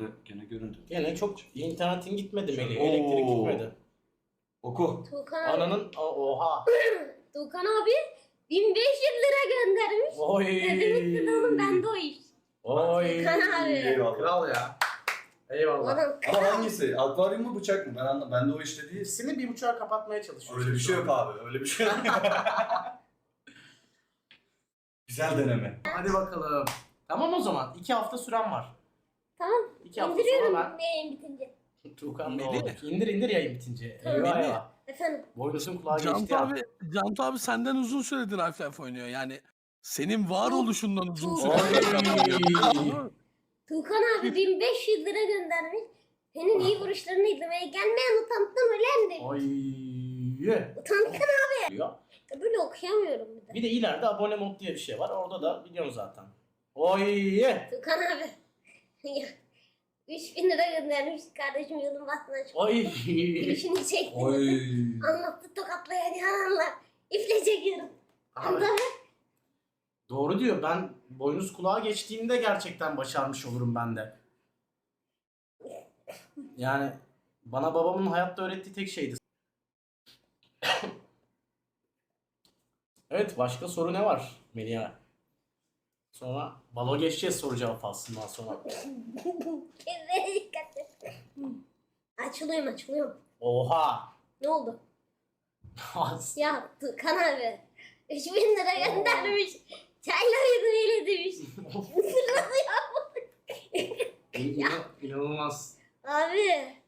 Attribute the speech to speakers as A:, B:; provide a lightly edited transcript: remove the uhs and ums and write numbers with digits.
A: gene göründü.
B: Gene çok internetin gitmedi Melih.
A: Oo.
B: Elektrik gitmedi.
A: Oku.
C: Tuğkan abi.
B: Ananın oha.
C: Tuğkan abi 1500 lira göndermiş.
B: Oy.
C: Dedim ki oğlum bende o iş.
B: Oy.
C: Tuğkan abi.
A: Eyvallah.
B: Kral ya. Eyvallah.
C: Adam
A: Ama
C: kral.
A: hangisi? Akvaryum mu bıçak mı? Ben anlamadım. Bende o işte değil.
B: İkisini 1.5'a kapatmaya çalışıyor.
A: Öyle bir şey yok abi. Öyle bir şey yok. Güzel deneme.
B: Hadi bakalım. Tamam o zaman. 2 hafta süren var.
C: Tamam.
B: 2 hafta
C: İndiriyorum
B: sonra
C: yayın bitince.
B: ben Tuğkan
D: Melih.
B: doğru. İndir yayın bitince.
C: Tamam.
B: Eyvah
D: Melih.
B: eyvah.
C: Efendim.
B: Boynuzun kulağı geçti
D: Cantu
B: ya.
D: abi senden uzun süredir Half-Life oynuyor. Yani senin varoluşundan uzun
C: Oy.
D: süredir.
C: Tuğkan abi 1500 lira göndermiş. Senin iyi vuruşlarını izlemeye gelmeyen utandım ölen demiş.
B: Oy.
C: Utandım
B: Diyor.
C: böyle okuyamıyorum bir de.
B: Bir de ileride abone mod diye bir şey var. Orada da biliyorsun zaten. Oy.
C: Tuğkan abi. Ya, 3000 lira göndermiş kardeşim yolun bastına çıktı.
B: Oy.
C: İşini çekti.
A: Oy.
C: Anlattı tokatlayan yalanlar. İple çekiyorum.
B: Abi,
C: Anladın mı?
B: doğru diyor. Ben boynuz kulağa geçtiğimde gerçekten başarmış olurum ben de. Yani bana babamın hayatta öğrettiği tek şeydi. Evet, başka soru ne var Melia? Sonra balo geçeceğiz soru cevap faslından sonra.
C: Kendine dikkat et. Açılıyorum.
B: Oha!
C: Ne oldu? Ya Tuğkan abi. 3000 lira göndermiş. Çayları öyle demiş. Nasıl ya?
B: İnanılmaz.
C: Abi